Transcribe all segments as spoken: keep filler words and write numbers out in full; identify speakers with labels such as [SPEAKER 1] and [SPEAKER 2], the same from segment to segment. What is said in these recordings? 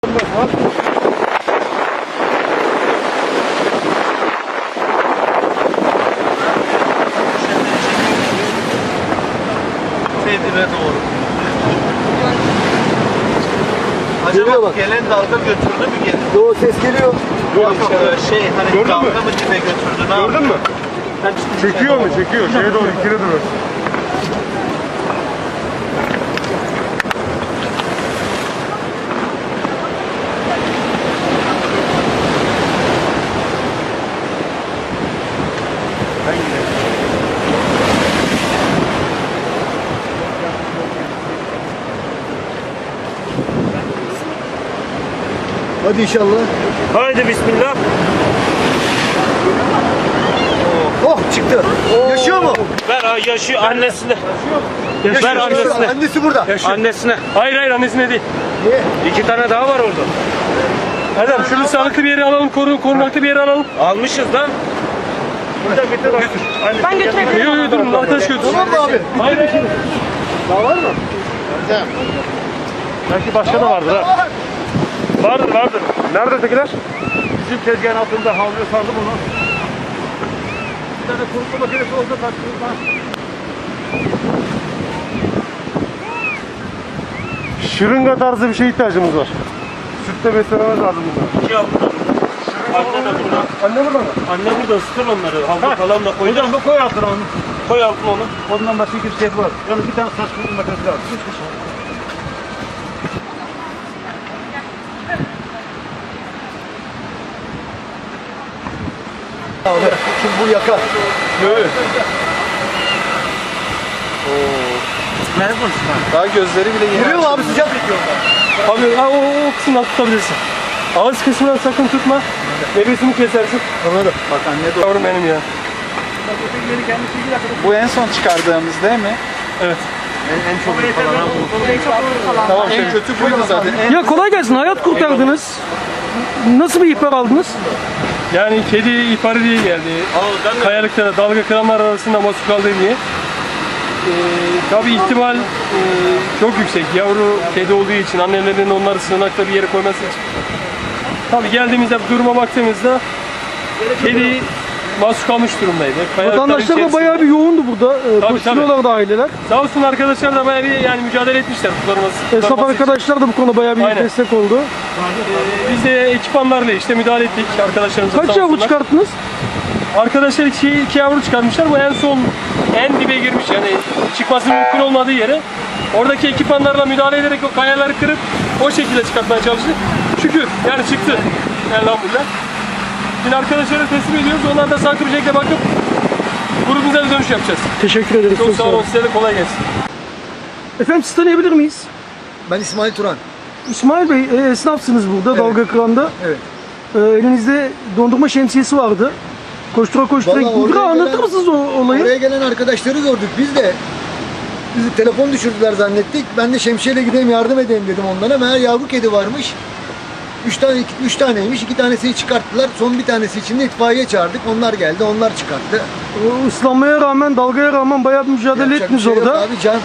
[SPEAKER 1] Seydire doğru. Acaba bak, gelen dalga götürdü mü geri?
[SPEAKER 2] Yo, ses geliyor.
[SPEAKER 1] Yok yok, şey hani
[SPEAKER 3] Gördün
[SPEAKER 1] dalga
[SPEAKER 3] mü?
[SPEAKER 1] mı dibe götürdü? Ne
[SPEAKER 3] Gördün mü? Çekiyor mu? Çekiyor. Şeye doğru, ikine doğru.
[SPEAKER 2] Hadi inşallah.
[SPEAKER 3] Haydi bismillah.
[SPEAKER 2] Oh, çıktı. Yaşıyor mu?
[SPEAKER 3] Ver ha, yaşıyor annesine.
[SPEAKER 2] Yaşıyor,
[SPEAKER 3] Ver
[SPEAKER 2] yaşıyor.
[SPEAKER 3] annesine.
[SPEAKER 2] Annesi burada.
[SPEAKER 3] Annesine. Hayır hayır annesine değil.
[SPEAKER 2] Niye?
[SPEAKER 3] İki tane daha var orada. Erdem şunu sağlıklı bir yere alalım, korun, korunaklı bir yere alalım. Almışız lan.
[SPEAKER 4] Ben götürebilirim.
[SPEAKER 3] Yok yok durun, arkadaş götürsün.
[SPEAKER 2] Tamam mı abi?
[SPEAKER 3] Hayır hayır.
[SPEAKER 2] Daha var mı?
[SPEAKER 3] Belki başka da vardır ha. Vardır vardır. Nerede ötekiler? Bizim tezgahın altında havluya sardım onu. Bir tane kurutma makinesi olsa taktırırlar. Şırınga tarzı bir şeye ihtiyacımız var. Sütle beslememiz lazım bunlar.
[SPEAKER 5] Şey yaptım. Anne de burada.
[SPEAKER 3] Anne burada mı?
[SPEAKER 5] Anne burada ısıtır onları. Havlu falan da koy.
[SPEAKER 3] Hocam bu koy altına onu.
[SPEAKER 5] Koy altına onu.
[SPEAKER 3] Ondan başka bir şey var. Yani bir tane saç kurutma makinesi lazım.
[SPEAKER 2] Abi, şimdi bu yakar.
[SPEAKER 3] Evet.
[SPEAKER 1] Daha gözleri bile yeni.
[SPEAKER 2] Giriyor mu abi sıcak?
[SPEAKER 3] Abi ha, o, o kısımdan tutabilirsin. Ağız kısmından sakın tutma. Nefesini kesersin.
[SPEAKER 2] Anladım.
[SPEAKER 1] Bak anne de.
[SPEAKER 3] Yavrum benim ya.
[SPEAKER 1] Bu en son çıkardığımız değil mi?
[SPEAKER 3] Evet.
[SPEAKER 1] En, en çok falan bu.
[SPEAKER 2] Tamam,
[SPEAKER 1] En kötü buydu zaten. En
[SPEAKER 6] Ya kolay gelsin, hayat kurtardınız. Nasıl bir ihbar aldınız?
[SPEAKER 3] Yani kedi ihbarı diye geldi. Kayalıkta dalga kıranlar arasında mahsur kaldı diye. Ee, tabii ihtimal e, çok yüksek. Yavru kedi olduğu için annelerin onları sığınakta bir yere koyması için. Tabii geldiğimizde duruma baktığımızda kedi mahsur kalmış durumdaydı. Kayalıkların
[SPEAKER 6] Vatandaşlar da
[SPEAKER 3] içerisinde.
[SPEAKER 6] bayağı bir yoğundu burada. Ee,
[SPEAKER 3] Tabii,
[SPEAKER 6] koşturuyorlardı aileler.
[SPEAKER 3] Sağ olsun arkadaşlar da bayağı bir yani mücadele etmişler kurtarması.
[SPEAKER 6] Esnaf
[SPEAKER 3] kurtarması için.
[SPEAKER 6] arkadaşlar da bu konuda bayağı bir
[SPEAKER 3] Aynen.
[SPEAKER 6] destek oldu.
[SPEAKER 3] Ee, biz de ekipmanlarla işte müdahale ettik arkadaşlarımıza.
[SPEAKER 6] Kaç
[SPEAKER 3] sağ
[SPEAKER 6] yavru
[SPEAKER 3] olsunlar.
[SPEAKER 6] çıkarttınız?
[SPEAKER 3] Arkadaşlar iki, iki yavru çıkarmışlar. Bu en son en dibe girmiş yani çıkması mümkün olmadığı yere. Oradaki ekipmanlarla müdahale ederek o kayaları kırıp o şekilde çıkartmaya çalıştık. Şükür yani çıktı. Elhamdülillah. Şimdi arkadaşlara teslim ediyoruz. Onlar da sağlıklı bir şekilde bakıp grubumuza bir dönüş yapacağız.
[SPEAKER 6] Teşekkür ederiz.
[SPEAKER 3] Çok sağ olun. Size de kolay gelsin.
[SPEAKER 6] Efendim sizi tanıyabilir miyiz?
[SPEAKER 2] Ben İsmail Turan.
[SPEAKER 6] İsmail Bey e, esnafsınız burada
[SPEAKER 2] Evet.
[SPEAKER 6] Dalga Kıran'da.
[SPEAKER 2] Evet.
[SPEAKER 6] E, elinizde dondurma şemsiyesi vardı. Koştura koştura.
[SPEAKER 2] Vallahi oraya
[SPEAKER 6] Biraz anlatır
[SPEAKER 2] gelen-
[SPEAKER 6] mısınız o olayı?
[SPEAKER 2] Oraya gelen arkadaşları gördük. Biz de bizi telefon düşürdüler zannettik. Ben de şemsiyeyle gideyim yardım edeyim dedim onlara. Meğer yavru kedi varmış. Üç tane, iki, üç taneymiş. İki tanesini çıkarttılar. Son bir tanesi için de itfaiye çağırdık. Onlar geldi. Onlar çıkarttı.
[SPEAKER 6] O ıslanmaya rağmen, dalgaya rağmen bayağı bir mücadele
[SPEAKER 2] Yapacak bir
[SPEAKER 6] ettiniz
[SPEAKER 2] şey yok
[SPEAKER 6] orada.
[SPEAKER 2] Abi can.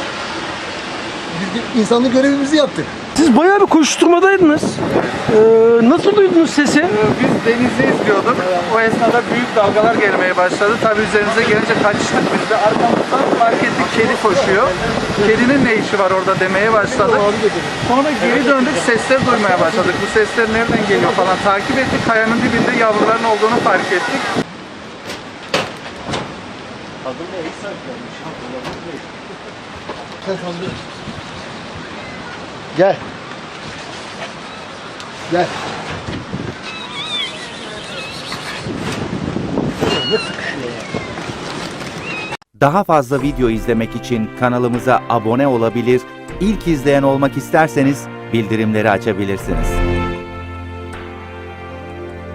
[SPEAKER 2] Biz de insanlık görevimizi yaptık.
[SPEAKER 6] Siz bayağı bir koşturmadaydınız. Ee, nasıl duydunuz sesi?
[SPEAKER 1] Biz denizi izliyorduk. O esnada büyük dalgalar gelmeye başladı. Tabii üzerimize gelince kaçtık biz de. Arkamızdan fark ettik kedi koşuyor. Kedinin ne işi var orada demeye başladık. Sonra geri döndük sesler duymaya başladık. Bu sesler nereden geliyor falan takip ettik. Kayanın dibinde yavruların olduğunu fark ettik.
[SPEAKER 2] Gel. Gel.
[SPEAKER 7] Daha fazla video izlemek için kanalımıza abone olabilir, ilk izleyen olmak isterseniz bildirimleri açabilirsiniz.